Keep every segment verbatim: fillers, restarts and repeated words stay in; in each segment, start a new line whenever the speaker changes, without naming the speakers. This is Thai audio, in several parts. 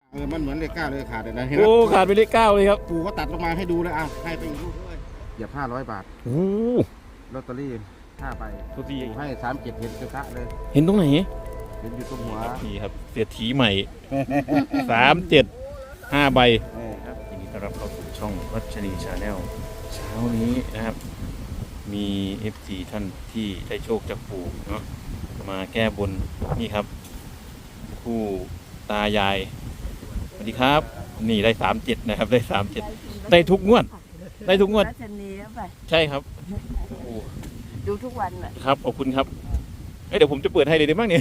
เออมันเหมือนเลขเก้าเลยขาดเลยนะเห็นไหม
โอ้ขาดไปเลขเก้าเลยครับ
ปู่ก็ตัดลงมาให้ดูเลยอ้าวให้ไปอีกลูกเลยเหยียบห้าร้อยบาท
โอ้
ลอตเตอรี่ห้าใบ
ทุกที
ปู่ให้สามเจ็ดเห็นชัดๆเลย
เห็นตรงไหน
เห็นอยู่ตรงหัว
นี่ครับเศรษฐีใหม่ สามเจ็ดห้าใบ
เออครับ
ยินดีต้อนรับเข้าสู่ช่องรัชนีชาแนลเช้านี้นะครับ มี เอฟ ซี ท่านที่ได้โชคจากปู่เนาะมาแก้บนนี่ครับผู้ตายายสวัสดีครับ นี่ได้สามเจ็ดนะครับ ได้สามเจ็ดได้ทุกงวด ได้ทุกงวด
รัชนีแล้วไป
ใช่ครับโอ้
ดูทุกวันน่ะ
ครับขอบคุณครับเอ้ยเดี๋ยวผมจะเปิดให้เลยได้บ้างเนี่ย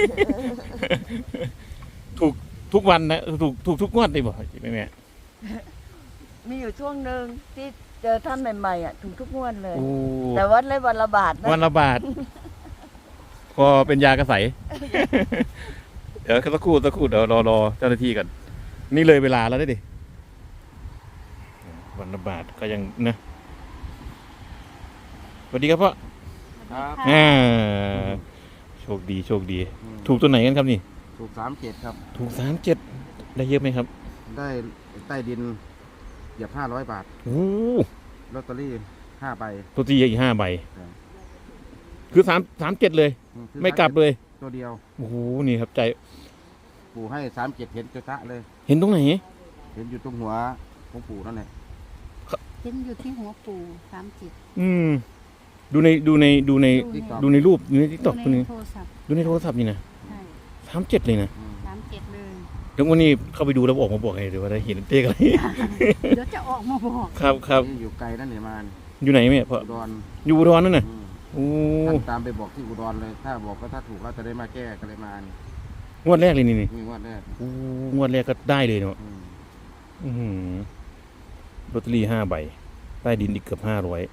ถูกทุกวันนะถูกถูกทุกงวดเลยบ่แม่แม่
มีอยู่ช่วงหนึ่งที่เจอท่านใหม่ๆอ่ะถูกทุกงวดเลย
โอ้
แต่วัดเลยวันละบาทนะ
วันละบาท พอเป็นยากระใส เดี๋ยวสักครู่สักครู่เดี๋ยวรอรอเจ้าหน้าที่กันนี่เลยเวลาแล้วได้ดิวันละบาทก็ยังนะสวัสดีครับพ่อ
ครับ
อ่าโชคดีโชคดี ถูกตัวไหนกันครับนี่
ถูกสามเจ็ดครับ
ถูกสามเจ็ดได้เยอะไหมครับ
ได้ใต้ดินเหยียบห้าร้อยบาท
โอ้
ลอตเตอรี่ห้าใบ
ตัวที่อีกห้าใบ
ครับ
คือสามสามเจ็ดเลย
อืคือ
ไม่กลับเลย
ตัวเดียว
โอ้โหนี่ครับใจ
ปู่ให้สามเจ็ดเห็นชัดๆเลย
เห็นตรงไหน
เห็นอยู่ตรงหัวของปู่นั่นแหละ
เห็นอยู่ที่หัวปู่สามจิต
อืมดูในดูในดูใน
ติ๊กต็อก
ดูในรูปดูในทิกตอก
ดู
ดูใน
ในโทรศัพท์
ดูในโทรศัพท์นี่นะ
ใช่
สามเจ็ดเลยนะ
อืม
สามเจ็ดเลย
เดี๋ยววันนี้เข้าไปดูแล้วออกมาบอกไงเดี๋ยวว่าได้เห็นเต๊กอะไร
เดี๋ยวจะออกมาบอก
ครับครับ
นี่อยู่ไกลนั่นเนี่ยมานี่
อยู่ไหนแม่พ่อ
อุดร
อยู่อุดรนั่นน่ะ
อืม
โอ้
ท่านตามไปบอกที่อุดรเลย ถ้าบอกว่าถ้าถูกเราจะได้มาแก้ก็เลยมานี่
งวดแรกเลยนี่นี่
มีงวดแรก
โอ้งวดแรกก็ได้เลยเนาะ
อืม
อื้อหือลอตเตอรี่ห้าใบใต้ดินอีกเกือบห้าร้อย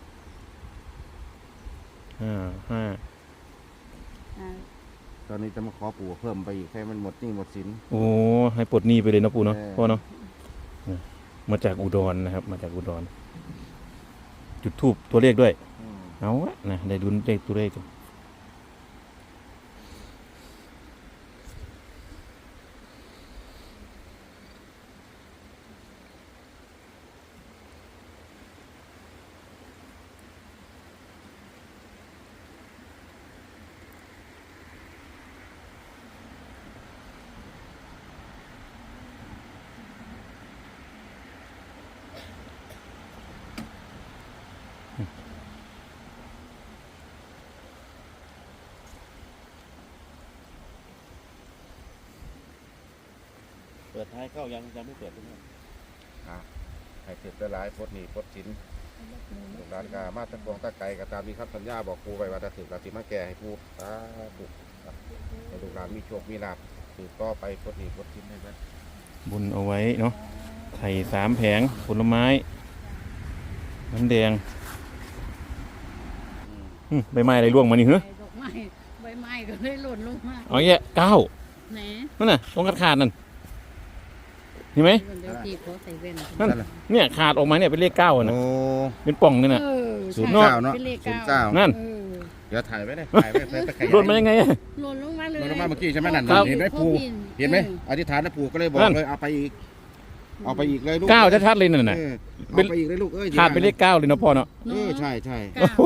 ห้าห้า
อ่า
ตอนนี้จะมาขอปู่เพิ่มไปอีกให้มันหมดหนี้หมดสิน
โอ้ให้ปลดหนี้ไปเลยเนาะปู่เนาะ
เออ
พ่อเนาะนะมาจากอุดรนะครับ มาจากอุดร จุดทูบตัวเลขด้วย
อืม
เอาละนะได้ดุนเลขตัวเลขกัน
เปิดท้ายเข้ายังยังไม่เปิดใช่ไหมอ่ะให้เสร็จได้หลายพดหนีพดสินลูกหลานกามาตะกวงตะไกก็ตามมีคำสัญญาบอกครูไปว่าถ้าถึงเราสิมาแก่ให้ครูสาธุให้ลูกหลานมีโชคมีลาภสืบต่อไปพดหนีพดสินให้ได้
บุญเอาไว้เนาะไข่สามแผงผลไม้น้ำแดงอืมใบไม้อะไรร่วงมานี่เหรอ
ใบดอกไม้ใบไม้ก็เลยหล่นลงมา
เอาแย่เก้า
แหน
นั่นน่ะตรงขาดขาดนั่นเห็นไหม
เดี๋ยวตีเขาใส่แว่น
นั่นเนี่ยขาดออกมาเนี่ยเป็นเลขเก้าอะนะ
โอ้
เป็นป่องนี่นะ
เออ
ศูนย์
ใช่
เก้าเนาะ
ป็ลข
ศูนย์เก้า
นั่น
เออ
เดี๋ยวถ่ายไว้เลยถ่ายไว้ไปขยาย
หล่นมายังไงอะ
หล่นลงมาเลย
ลงมาเมื่อกี้ใช่ไหมนั่น
ครับ
เห็นไหมปู่เห็นไหมอธิษฐานนะปู่ก็เลยบอกเลยเอาไปอีก เอาไปอีกเลยลูก
เก้าชัดๆเลยนั่นน่ะ
เออ
เป็
เอา
น
ไปอีกเลยลูกเอ้ย
ขาดเป็นเลขเก้าเลยเนาะพ่อเนาะ
เออใช่ใช่
เก้า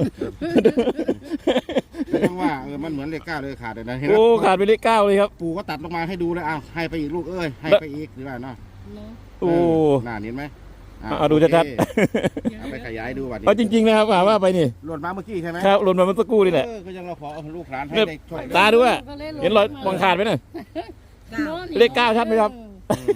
ไม่ต้องว่าเออมันเหมือนเลขเก้าเลยขาดเลยนะเห็นไหม
โอ้ขาดเป็นเลขเก้าเลยครับ
ปู่ก็ตัดลงมาให้ดูเลยอ้าวให้ไปอีกลูกเอ้ยให้ไปอีกหรือว่าเนาะ
เนาะ
โอ้
เน่าเห็นไหมะ
เอาดูชัด
โอเคเอาไปขยายดูวันนี้
เอาจริงๆนะครับว่าว่าไปนี่
หล่นมาเมื่อกี้ใช่ไหม
ครับหล่นมาเมื่อสักครู่นี่แหละ
เออก็ยังเราขอเอาลูกหลานให้
เนี่ย
ได้ช่วย
ตาดูว่า
ก็ลหล่
เห็นรอยมองขาดไหมน่ะ
เนาะนี่
เลขเก้าชัดไหมครับ
เออ
อืม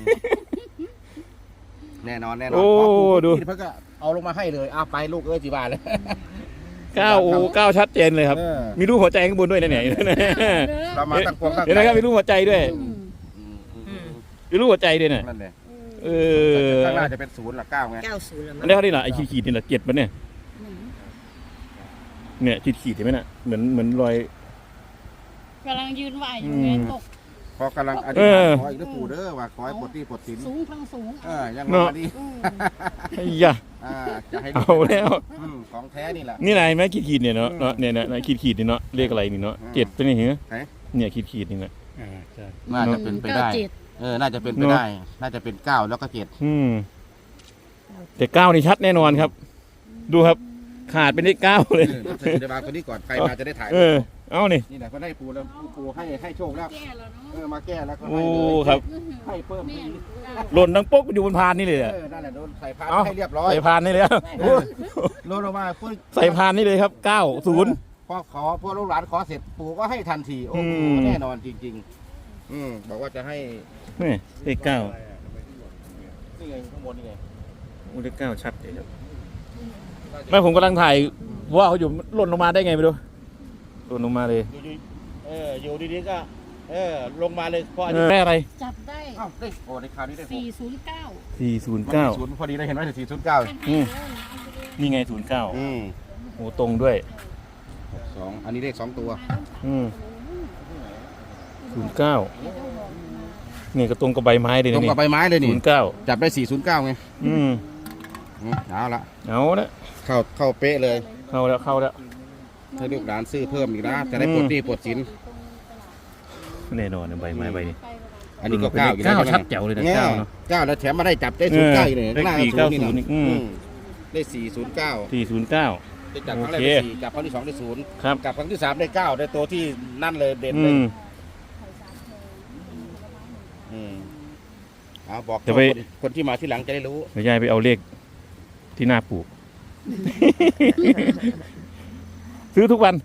แน่นอนแน่นอน
โอ้
ขปู่
ดู
เพิ่นก็เอาลงมาให้เลยอ้าวไปลูกเอ้ยจีบาทเลย
เก้าโอ้เก้าชัดเจนเลยครับ
เออ
มีรูปหัวใจข้างบนด้วยนะเนี่ย
เรามาตั้งกวงตั้ง
เห็นไหมครับมีรูปหัวใจด้วย
อืม
อืมอืมอืม
มีรูปหัวใจด้วยน่ะ
นั่นแหละ
เออ
ข้างหน้าจะเป็นศูนย์หรือเก้าไง
เก้าศูนย์แล้ว
อั
มั้
น
ง
นี้เขาที่ไหนไอ้ขีดๆนี่แหละเจ็ดมันเนี่ย
อืม
เนี่ยขีดๆเห็นไหมน่ะเหมือนเหมือนรอย
กำลังยืนไหวอยู่ไง
อืม
ตก
พอกำลังอธิ
เอ
ษฐาน
อ
ขออีกแล้วปู่เด้อว่าขอให้ปลดหนี้ปลดสิน
สูงทั้งสูง
เออยัง
เนอะ
มาดี
อืม
ไอ้ยะ
อ่าจะให้
เอาแล้ว
อืมของแท้นี่แหละ
นี่ไหนไหมขีดๆเนี่ยเนาะเนาะเนี่ยนะขีดๆนี่เนาะเลขอะไรนี่เนาะ
อืม
เจ็ดเป็นไงเหรอ
ไหน
เนี่ยขีดๆนี่นะ
น่าจะเป็นไปได้
เก้าเจ็ด
เออน่าจะเป็นไปได้ น่าจะเป็นเก้าแล้วก็เจ็ด
อืมแต่เก้านี่ชัดแน่นอนครับ ดูครับ ขาดเป็นเลขเก้าเลย
เออใส่ในบางคนนี้ก่อนใครมาจะได้ถ่าย
เออ เอานี่
นี่แหละก็ได้ปูแล้วปูให้ให้โชคแล้ว
แก่แล้วเนาะ
เออมาแก้แล้วก็
โอ้
ให้เลย
ครับ
ให้เพิ่ม
แม่
อีก
หล่นดังปุ๊กอยู่บนพานนี่เลย
เอ
อะ
อนั่นแหละโดนใส่พาน
เอา
ให้เรียบร้อย
ใส่พานนี่เลยอะ
เออโดนลงมาปุ๊บ
ใส่พานนี่เลยครับเก้าศูนย์
พอขอพอลูกหลานขอเสร็จปู่ก็ให้ทันทีโอ้โห
อืม
แน่นอนจริง ๆ อืมบอกว่าจะให้
นี่เลขเก้า
นี่ไงข้างบนนี่ไง
โอ้เลขเก้าชัดเลยครับไม่ผมกำลังถ่ายว่าเขาอยู่หล่นลงมาได้ไงไม่รู้หล่นลงมาเลย
อยู่ดีเอออยู่ดีๆก็ เออลงมาเลยพออัน
เอ
นี้
อแม่อะไร
จับได้
เอ้าได้โอ้ในคราวนี้ได้หก
สี่ศูนย์เก้า
สี่ศูนย์
มัน
เก้า
มีศูนย์พอดีเลยเห็นไหมสี่ศูนย์เก้า
อืม นี่ไงศูนย์เก้า
อืม
โอ้ตรงด้วย
หกสองอันนี้เลขสองตัว
อืมศูนย์เก้านี่ก็ตรงกับใบไม้เลย
ตร
นะ
ง
นี่
กับใบไม้เลย
ศู
นี่
นย์เก้า
จับได้สี่ศูนย์เก้าไง
อืม
อืมเอาละ
เอาละ
เข้าเข้าเป๊ะเลย
เข้าแล้วเข้าแล้ว
ให้ลูกหลานซื้อเพิ่มอีกนะจะได้ปลดหนี้ปลดสิน
แน่นอนนะใบไม้ใบนี้
อันนี้ก็เก้าอยู่
เก้า
แล้วใช่ไหม
ชัดแจ๋วเลยนะเก้าเนอะ
เก้าแล้วแถมมาได้จับได้ศูนย์เก้าอีกเลย
เออ
ข้างหน้า
เลขสี่
ศูนย์นี่
เก้าศูนย์
นะ
อืม
อืมได้สี่ศูนย์เก้า
สี่ศูนย์เก้า
ได้จับครั้งแรก
โอเค
ได้สี่จับครั้งที่สองได้ศูนย์
ครับ
จับครั้งที่สามได้เก้าได้ตัวที่นั่นเลยเด่น
อื
เลย
ม
อืมเอาบอก
เดี๋ยวไป
คนคนที่มาที่หลังจะได้รู้
เดี๋ยวยายไปเอาเลขที่หน้าปลูก ซื้อทุกวัน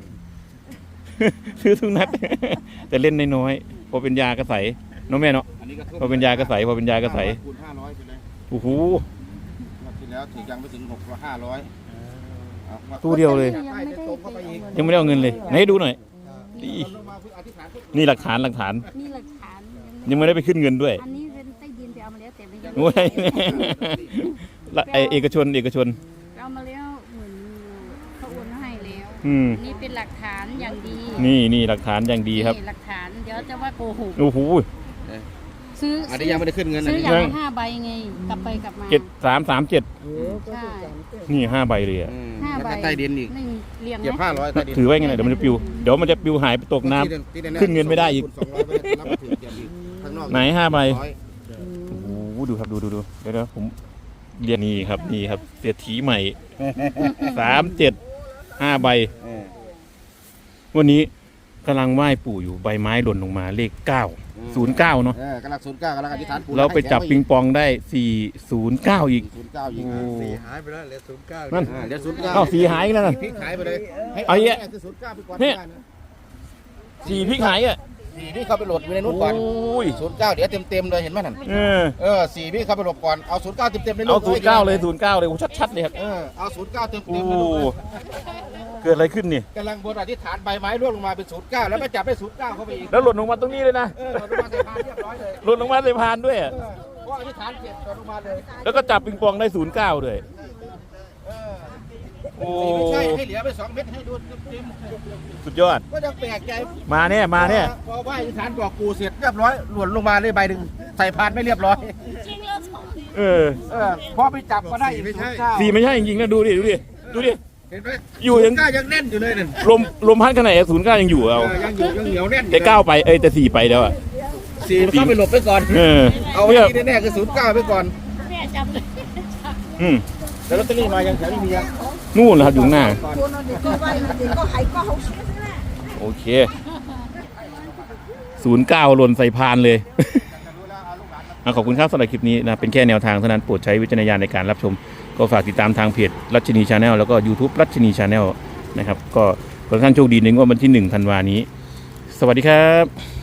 ซื้อทุกนัด แต่เล่นน้อยๆพอเป็นยากระใสน้องแม่เนาะ
อันนี้ก็
พอเป็นยากระใสพอเป็นยากระใส
คูณห้าร้อยไปเลย
โอ้โห
งวดที่แล้วถึงยังไม่ถึงหกร้อยห้าร้อยเอามา
ตู้เดียวเลย
จับได้จะตรงเข้าไปอีก
ยังไม่ได้เอาเงินเลยไหนดูหน่อยดี
ลงมาเพื่ออธิษฐานเพื่อ
นี่หลักฐานหลักฐาน
นี่หลักฐาน
ยังไม่ได้ไปขึ้นเงินด้วย
อันนี้เป็นใต้ดินไปเอามาแล้วแต่ไม่ยัง
โอ้ย ละไอเอกชนเอกชน
เอามาแล้วเหมือนเขาโอนมาให้แล้ว
อืม
นี่เป็นหลักฐานอย่างดี
นี่นี่หลักฐานอย่างดีครับ
นี่หลักฐานเดี๋ยวจะว่าโกหก
โอ้โห
ซื้อ
อันนี้ยังไม่ได้ขึ้นเงินอัน
ซื้อ
นี้
อย่าง
ยัง
ละห้าใบไงกลับไปกลับมา
เจ็ดสามสามเจ็ด
ใช่
นี่ห้าใบเลยอะ
อืม
ห้า
แล้ว
ใบ
ก็ใต้ดินอีก
หนึ่งเรียง
เก็บ
ไหม
ห้าร้อยใต้ดิน
ถือไว้ไงนะเดี๋ยวมันจะปิวเดี๋ยวมันจะปิวหายไปตกน้ำ
ที่ที่แๆ
ขึ้นเงินไม่ได้อีก
สองร้อยไม่ได้รับมาถือเก็บอีกข้างนอก
ไหนห้าใบ
ร้อย
โอ้โหดูครับดูดูดูเดี๋ยวเดี๋ยวผมเรียนนี่ครับนี่ครับเศรษฐีใหม่สามเจ็ดห้าใบ
เออ
วันนี้กำลังไหว้ปู่อยู่ใบไม้หล่นลงมาเลขเก้าศูนย์เก้าเนาะ
เออกำลังศูนย์เก้ากำลังอธิษฐานปู่
เราไปจับปิงปองได้สี่ศูนย์เก้าอีก
ศูนย์เก้าอีก
โอ้
สี่หายไปแล้วเหลือศูนย์เก้า
นั่น
อ่าเดี๋ยวศูนย์เก้า
เอ้าสีหายอีกแล้วนะ
พลิกหายไปเลยให้
เอา
เอา
อีก
แค่
อะ
คือศูนย์เก้าไปก่อน
เนี่ย
ได้นะ
สี่พริกหายอ่ะ
สี่พี่เข้าไปโหลดอยู่ในนู้น
โอ้
ก่อน
ย
ศูนย์เก้าเดี๋ยวเต็มๆเลยเห็นไหมนั่น
เออ
เออสี่พี่เข้าไปโหลดก่อนเอาศูนย์เก้าเต็มๆใน
เอา
นู้น
ศูนย์เก้าเลยศูนย์เก้าเลยโอ้ชัดๆเลยครับ
เออเอาศูนย์เก้าเต็มๆ
โอ้
ในนู้น
เกิดอะไรขึ้นนี่
กำลังบนอธิษฐานใบไม้ร่วงลงมาเป็นศูนย์เก้าแล้วก็จับได้ศูนย์เก้าเข้าไปอีก
แล้วหล่นลงมาตรงนี้เลยนะ
เออหล่นลงมาใส่พานเรียบร้อยเลย
หล่นลงมาใส่พานด้วยอะ
เออเพราะอธิษฐานเสร็จหล่นลงมาเลย
แล้วก็จับปิงปองได้ศูนย์เก้าด้วย
เออ
โอ้
ไม่ใช่ให้เหลือไปสองเม็ดให้ดูเต็ม
สุดยอด
ๆก็ยังแปลกใจ
มาเนี่ยมาเนี่ย
พอไหว้อธิษฐานบอกปู่เสร็จเรียบร้อยหล่นลงมาเลยใบหนึ่งใส่พานไม่เรียบร้อย
เออ
เออพอไปจับก็ได้อีกศูนย์เก้า
สี่ไม่ใช่จริงๆนะดูดิดูดิดูดิ
เห็นไหม
อยู่ยัง
ศูนเก้ายังแน่นอยู่เลยนั่น
ลมลมพัดขนาดศูนย์เก้ายังอยู่เอา
เออยังอยู่ยังเหนียวแน่นอยู่
แต่เก้าไปเอ้ยแต่สี่ไปแล้วอ่ะ
สี่เข้าไปหลบไปก่อน
เออ
เอาไว้
เนี่ย
ที่แน่ๆคือศูนย์เก้าไปก่อน
แม่จำเลย
อืม
แล้วลอตเตอรี่มายังแถวนี้มียัง
นู่นนะครับอยู่ข้างหน้า
ก่อน
โอเคศูนย์เก้าหล่นใส่พานเลย อ่ะขอบคุณครับสำหรับคลิปนี้นะเป็นแค่แนวทางเท่านั้นโปรดใช้วิจารณญาณในการรับชม ก็ฝากติดตามทางเพจรัชนีชาแนลแล้วก็ YouTube รัชนีชาแนลนะครับก็ขอให้ท่านโชคดีในงวดวันที่หนึ่งธันวานี้ สวัสดีครับ